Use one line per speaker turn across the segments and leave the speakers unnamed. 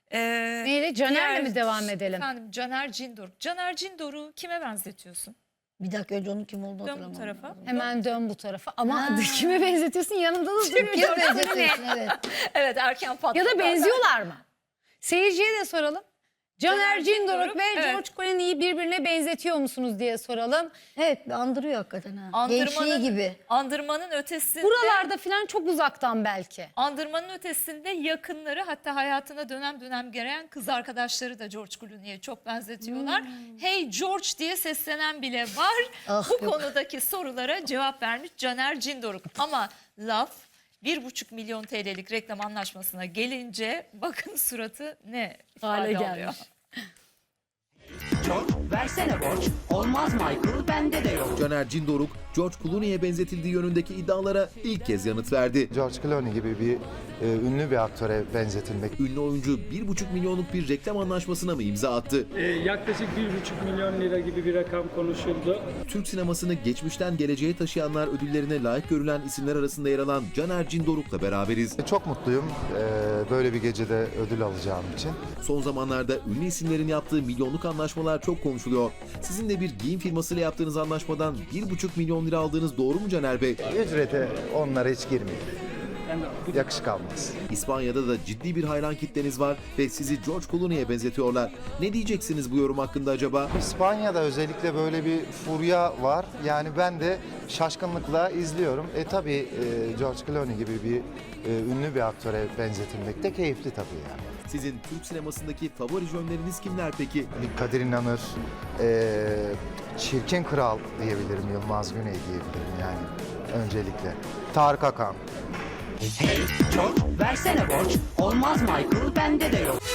Neyle? Caner'le mi devam edelim?
Efendim Caner Cindoruk. Caner Cindoruk'u kime benzetiyorsun?
Bir dakika önce onun kim olduğunu
Dön bu
hatırlamam.
tarafa.
Hemen dön bu tarafa. Ama kime benzetiyorsun? Yanında da duruyor.
Kime benzetiyorsun, evet.
Evet, erken patladı.
Ya da benziyorlar mı? Seyirciye de soralım. Caner Cindoruk ve
evet.
George Clooney'i birbirine benzetiyor musunuz diye soralım.
Evet, andırıyor hakikaten ha.
Andırmanın,
Gençliği gibi.
Andırmanın ötesinde.
Buralarda falan çok uzaktan belki.
Andırmanın ötesinde yakınları, hatta hayatına dönem dönem gelen kız arkadaşları da George Clooney'e çok benzetiyorlar. Hey George diye seslenen bile var.
Ah,
Bu
yok.
konudaki sorulara cevap vermiş Caner Cindoruk. Ama laf 1,5 milyon TL'lik reklam anlaşmasına gelince bakın suratı ne
Hale
ifade
gelmiş.
alıyor.
George versene borç. Olmaz Michael, bende de yok.
Caner Cindoruk, George Clooney'e benzetildiği yönündeki iddialara ilk kez yanıt verdi.
George Clooney gibi bir ünlü bir aktöre benzetilmek.
Ünlü oyuncu 1,5 milyonluk bir reklam anlaşmasına mı imza attı?
Yaklaşık 1,5 milyon lira gibi bir rakam konuşuldu.
Türk sinemasını geçmişten geleceğe taşıyanlar ödüllerine layık görülen isimler arasında yer alan Caner Cindoruk'la beraberiz.
Çok mutluyum böyle bir gecede ödül alacağım için.
Son zamanlarda ünlü isimlerin yaptığı milyonluk anlaşmalar çok konuşuluyor. Sizin de bir giyim firmasıyla yaptığınız anlaşmadan 1,5 milyon lira aldığınız doğru mu Caner Bey?
Ücrete onlara hiç girmeyin. Yakışık almaz.
İspanya'da da ciddi bir hayran kitleniz var ve sizi George Clooney'e benzetiyorlar. Ne diyeceksiniz bu yorum hakkında acaba?
İspanya'da özellikle böyle bir furya var. Yani ben de şaşkınlıkla izliyorum. Tabii George Clooney gibi bir ünlü bir aktöre benzetilmek de keyifli tabii yani.
Sizin Türk sinemasındaki favori jönleriniz kimler peki?
Kadir İnanır, Çirkin Kral diyebilirim, Yılmaz Güney diyebilirim yani öncelikle. Tarık Akan.
Hey George versene borç. Olmaz Michael, bende de yok.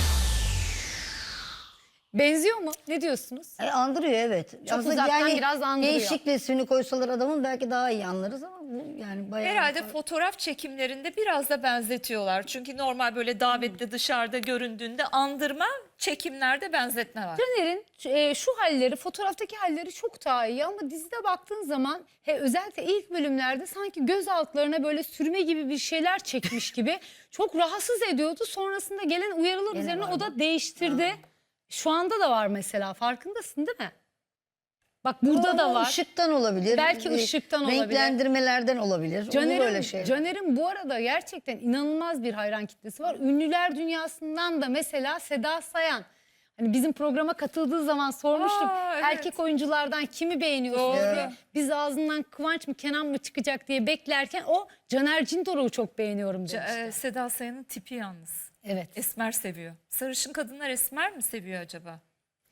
Benziyor mu? Ne diyorsunuz?
Andırıyor evet.
Çok uzaktan biraz andırıyor.
Gençlik resmini koysalar adamın belki daha iyi anlarız ama bu yani bayağı...
Herhalde fotoğraf çekimlerinde biraz da benzetiyorlar. Çünkü normal böyle davette dışarıda göründüğünde andırma, çekimlerde benzetme var.
Caner'in şu halleri, fotoğraftaki halleri çok daha iyi ama dizide baktığın zaman özellikle ilk bölümlerde sanki göz altlarına böyle sürme gibi bir şeyler çekmiş gibi çok rahatsız ediyordu. Sonrasında gelen uyarılar
Gene
üzerine
var
o da değiştirdi. Şu anda da var mesela, farkındasın değil mi? Bak burada da var.
Işıktan olabilir.
Belki ışıktan olabilir.
Renklendirmelerden olabilir. Olur böyle şey.
Caner'in bu arada gerçekten inanılmaz bir hayran kitlesi var. Ünlüler dünyasından da mesela Seda Sayan. Hani bizim programa katıldığı zaman sormuştuk.
Evet.
Erkek oyunculardan kimi beğeniyorsunuz
Doğru.
diye. Biz ağzından Kıvanç mı Kenan mı çıkacak diye beklerken o Caner Cindoruk'u çok beğeniyorum demişti.
Seda Sayan'ın tipi yalnız.
Evet.
Esmer seviyor. Sarışın kadınlar esmer mi seviyor acaba?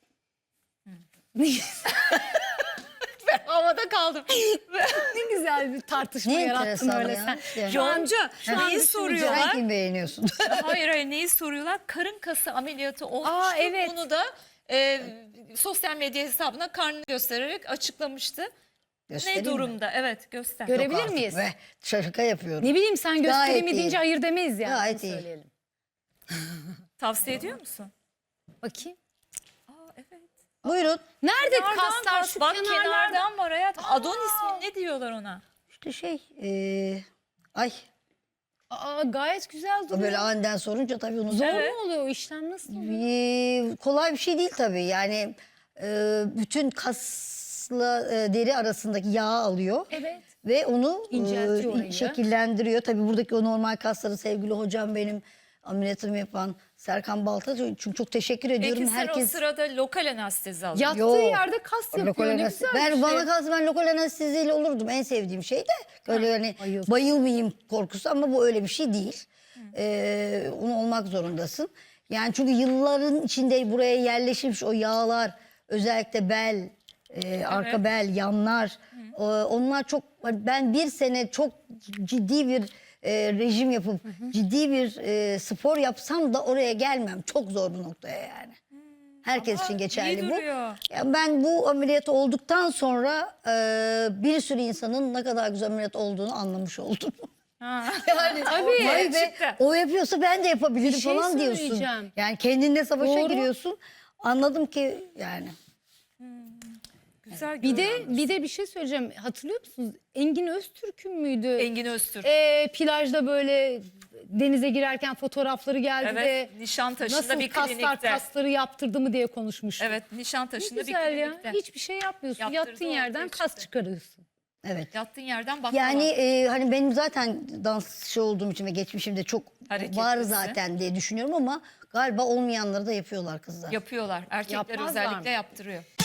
Ben havada kaldım.
Ne güzel bir tartışma
Ne
yarattın
enteresan
öyle
ya.
sen.
Yani.
Şu an-
Yonca
şu an
neyi
düşününce-
soruyorlar?
Sen kim beğeniyorsun?
Hayır neyi soruyorlar? Karın kası ameliyatı olmuştu.
Evet.
Bunu da sosyal medya hesabına karnını göstererek açıklamıştı.
Göstereyim
Ne
mi?
durumda? Evet göster.
Görebilir
Artık
miyiz?
be, şaka yapıyorum.
Ne bileyim sen göstereyim mi
iyi.
deyince hayır demeyiz yani.
Gayet
Onu
iyi.
söyleyelim.
Tavsiye ediyor musun?
Bakayım.
Aa evet.
Buyurun.
Nerede
Kenardan
kaslar?
kas.
Şu
Bak
kenarlarda.
kenardan var hayat. Adonis mi ne diyorlar ona?
İşte ay
Gayet güzel duruyor.
böyle aniden sorunca tabii onu
Zor
Evet.
mu oluyor o işlem, nasıl oluyor?
Kolay bir şey değil tabii. Yani bütün kasla deri arasındaki yağı alıyor.
Evet.
Ve onu
İnceltiyor orayı.
şekillendiriyor. Tabii buradaki o normal kasları sevgili hocam benim ameliyatımı yapan Serkan Balta. Çünkü çok teşekkür ediyorum.
Peki sen o sırada lokal anestezi alın.
Yattığı
Yok.
yerde kas yapıyor.
Lokal
Ne
anestezi.
güzel bir
Ben
şey.
bana kalsa ben lokal anesteziyle olurdum. En sevdiğim şey de böyle hani
bayıldım.
bayılmayayım korkusu ama bu öyle bir şey değil. Onu olmak zorundasın. Yani çünkü yılların içinde buraya yerleşmiş o yağlar, özellikle bel, arka bel, yanlar. Onlar çok, ben bir sene çok ciddi bir rejim yapıp ciddi bir spor yapsam da oraya gelmem. Çok zor bir noktaya yani. Herkes için geçerli
iyi
bu.
duruyor.
Ya ben bu ameliyat olduktan sonra bir sürü insanın ne kadar güzel ameliyat olduğunu anlamış oldum.
Ha.
Yani
Tabii.
vay be,
Gerçekten.
o yapıyorsa ben de yapabilirim
Bir şey
falan diyorsun.
söyleyeceğim.
Yani kendinle savaşa
Doğru.
giriyorsun. Anladım ki yani.
Güzel
Bir
görünüyor.
de bir şey söyleyeceğim. Hatırlıyor musunuz? Engin Öztürk'ün müydü?
Engin Öztürk.
Plajda böyle denize girerken fotoğrafları geldi
Evet,
de
Nişantaşı'nda
nasıl
bir
kaslar
klinikte.
kasları yaptırdı mı diye konuşmuştuk.
Evet,
Ne
Nişantaşı'nda bir
güzel ya.
klinikte.
Hiçbir şey yapmıyorsun.
Yaptırdı,
Yattığın yerden
ortaya
kas
çıktı.
çıkarıyorsun.
Evet.
Yattığın yerden baklava.
Yani hani benim zaten dansçı olduğum için ve geçmişimde çok
Hareketlisin.
var zaten diye düşünüyorum ama galiba olmayanları da yapıyorlar kızlar.
Yapıyorlar. Erkekler
Yapmazlar
özellikle
mı?
yaptırıyor.